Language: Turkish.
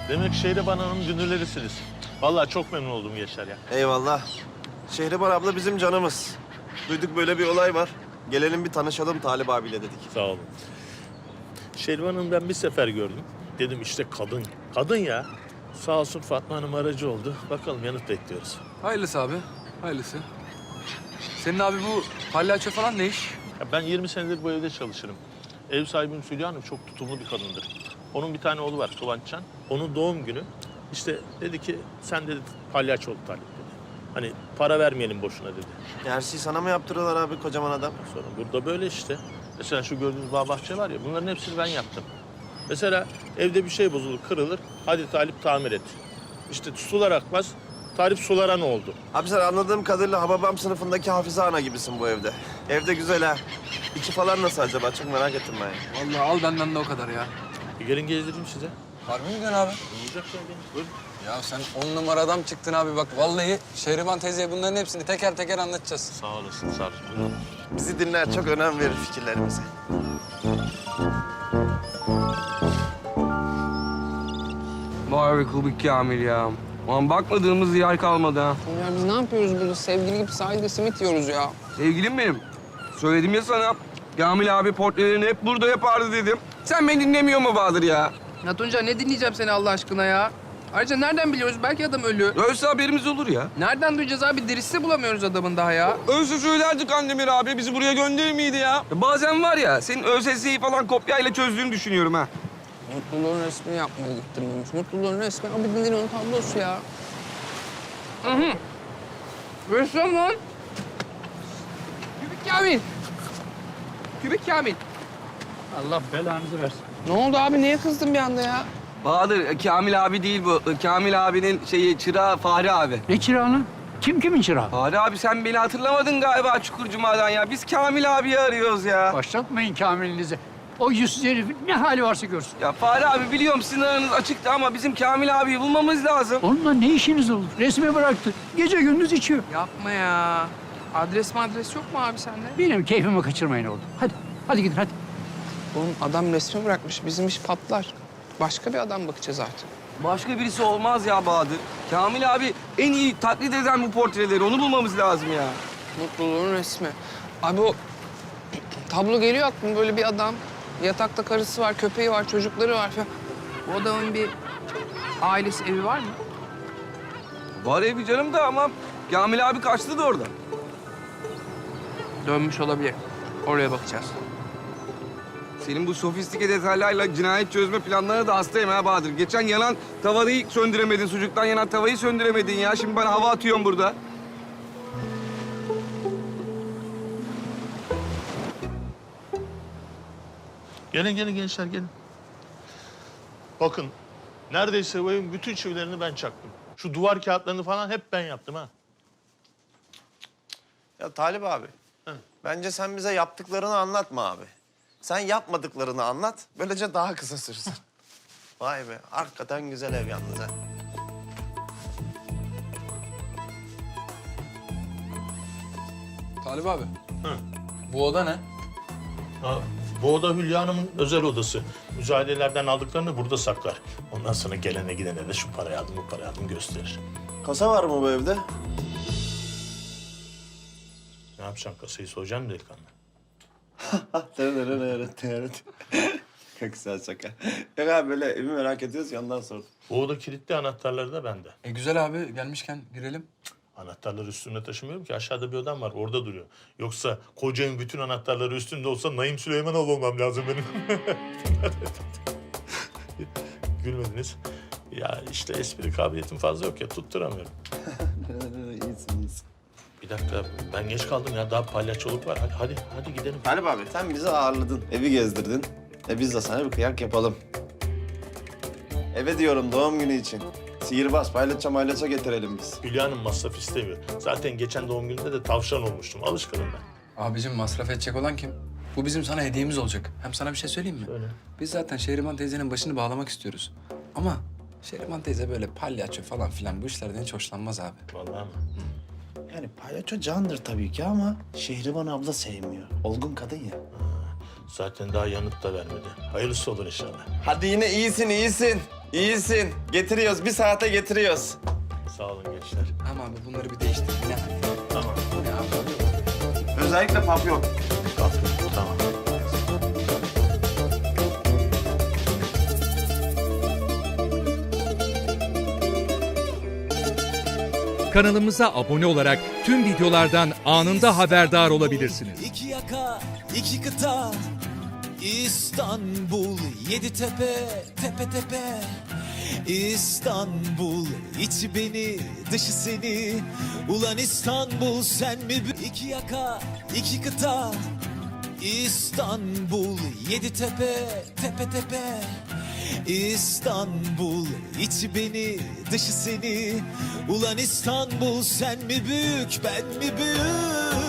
Demek Şehriban Hanım dünürlerisiniz. Vallahi çok memnun oldum Yaşar ya. Eyvallah. Şehriban abla bizim canımız. Duyduk böyle bir olay var. Gelelim bir tanışalım Talip abiyle dedik. Sağ olun. Şehriban Hanım'ı ben bir sefer gördüm. Dedim işte kadın. Kadın ya. Sağ olsun Fatma Hanım aracı oldu. Bakalım yanıt bekliyoruz. Hayırlısı abi, hayırlısı. Senin abi bu palyaço falan ne iş? Ya ben 20 senedir bu evde çalışırım. Ev sahibim Hülya Hanım çok tutumlu bir kadındır. Onun bir tane oğlu var Kıvançcan. Onun doğum günü. İşte dedi ki sen dedi palyaço ol Talip dedi. Hani para vermeyelim boşuna dedi. Her şeyi sana mı yaptırıyorlar abi kocaman adam? Sonra burada böyle işte. Mesela şu gördüğünüz bağ bahçe var ya bunların hepsini ben yaptım. Mesela evde bir şey bozulur, kırılır. Hadi Talip tamir et. İşte sular akmaz. Talip sulara ne oldu? Abi sen anladığım kadarıyla Hababam sınıfındaki Hafize ana gibisin bu evde. Evde güzel ha. İçi falan nasıl acaba? Çok merak ettim ben ya. Vallahi al benden de o kadar ya. Bir gelin gezdireyim size. Harbi mi diyorsun abi? Olacak ya gelin. Buyurun. Ya sen 10 numara adam çıktın abi bak. Vallahi Şehriban teyzeye bunların hepsini teker teker anlatacağız. Sağ olasın, sağ olasın. Buyurun. Bizi dinler, çok önem verir fikirlerimize. Vay be Kubik Kamil ya. Ulan bakmadığımız yer kalmadı ha. Ya biz ne yapıyoruz burada? Sevgili gibi sahilde simit yiyoruz ya. Sevgilim benim. Söyledim ya sana. Kamil abi portrelerini hep burada yapardı dedim. Sen beni dinlemiyor mu Bahadır ya? Ya Tunca ne dinleyeceğim seni Allah aşkına ya? Ayrıca nereden biliyoruz? Belki adam ölü. Ölse haberimiz olur ya. Nereden duyacağız abi? Dirisi bulamıyoruz adamın daha ya. Ölse söylerdik Kandemir abi. Bizi buraya gönderir miydi ya? Bazen var ya, senin ÖSS'yi falan kopyayla çözdüğünü düşünüyorum ha. Mutluluğun resmini yapmaya gittim demiş. Mutluluğun resmi Abidin Dino'nun tablosu ya. Hı hı. Ressam lan. Kübik Kamil. Kübik Kamil. Allah belanızı versin. Ne oldu abi? Niye kızdın bir anda ya? Bahadır, Kamil abi değil bu. Kamil abinin çırağı Fahri abi. Ne çırağını? Kim kimin çırağı? Fahri abi sen beni hatırlamadın galiba Çukurcuma'dan ya. Biz Kamil abiyi arıyoruz ya. Başlatmayın Kamil'inizi. O yüzsüz herifin ne hali varsa görsün. Ya Fahri abi biliyorum sizin aranız açıktı ama bizim Kamil abiyi bulmamız lazım. Onunla ne işiniz olur? Resmi bıraktı. Gece gündüz içiyor. Yapma ya. Adres yok mu abi sende? Benim keyfimi kaçırmayın oğlum. Hadi, hadi gidin hadi. Oğlum adam resmi bırakmış. Bizim iş patlar. Başka bir adam bakacağız artık. Başka birisi olmaz ya Bahadır. Kamil abi en iyi taklit eden bu portreleri. Onu bulmamız lazım ya. Mutluluğun resmi. Abi o tablo geliyor aklıma böyle bir adam. Yatakta karısı var, köpeği var, çocukları var falan. Bu adamın bir ailesi, evi var mı? Var evi canım da ama Kamil abi kaçtı da oradan. Dönmüş olabilir. Oraya bakacağız. Senin bu sofistike detaylarla cinayet çözme planlarına da hastayım ha Bahadır. Geçen yanan tavayı söndüremedin, sucuktan yanan tavayı söndüremedin ya. Şimdi bana hava atıyorsun burada. Gelin gelin gençler gelin. Bakın neredeyse bu evin bütün çivilerini ben çaktım. Şu duvar kağıtlarını falan hep ben yaptım ha. Ya Talip abi, bence sen bize yaptıklarını anlatma abi. Sen yapmadıklarını anlat, böylece daha kısa sürsün. Vay be, hakikaten güzel ev yalnız ha. Talip abi. Hı. Bu oda ne? Ha, bu oda Hülya Hanım'ın özel odası. Müzayedelerden aldıklarını burada saklar. Ondan sonra gelene gidene de şu parayı aldım, bu parayı aldım gösterir. Kasa var mı bu evde? Ne yapacaksın kasayı soyacaksın mı delikanlı? Evet. Çok güzel şaka. Yok abi böyle evi merak ediyoruz ya ondan sordum. Bu oda kilitli, anahtarları da bende. Güzel abi gelmişken girelim. Anahtarları üstümde taşımıyorum ki. Aşağıda bir odam var, orada duruyor. Yoksa koca evin bütün anahtarları üstümde olsa Naim Süleymanoğlu olmam lazım benim. Gülmediniz. Ya işte espri kabiliyetim fazla yok ya, tutturamıyorum. İyisin. Bir dakika, ben geç kaldım ya. Daha palyaçoluk var. Hadi gidelim. Talip abi sen bizi ağırladın, evi gezdirdin. Biz de sana bir kıyak yapalım. Eve diyorum doğum günü için. Sihirbaz, paylaşa getirelim biz. Hülya Hanım masraf istemiyor. Zaten geçen doğum gününde de tavşan olmuştum. Alışkınım ben. Abicim masraf edecek olan kim? Bu bizim sana hediyemiz olacak. Hem sana bir şey söyleyeyim mi? Söyle. Biz zaten Şehriban teyzenin başını bağlamak istiyoruz. Ama Şehriban teyze böyle palyaço falan filan bu işlerden hiç hoşlanmaz abi. Vallahi mi? Yani palyaço candır tabii ki ama Şehriban abla sevmiyor. Olgun kadın ya. Zaten daha yanıt da vermedi. Hayırlısı olur inşallah. Hadi yine iyisin. İyisin. Getiriyoruz. Bir saate getiriyoruz. Sağ olun gençler. Ama abi bunları bir değiştir. Ne hal? Tamam. Ne abi? Özellikle papyon. Tamam. Kanalımıza abone olarak tüm videolardan anında haberdar olabilirsiniz. İki yaka, iki kıta, İstanbul, yedi tepe, tepe tepe. İstanbul, içi beni, dışı seni. Ulan İstanbul, sen mi? İki yaka, iki kıta, İstanbul, yedi tepe, tepe tepe. İstanbul, içi beni, dışı seni. Ulan İstanbul, sen mi büyük, ben mi büyük?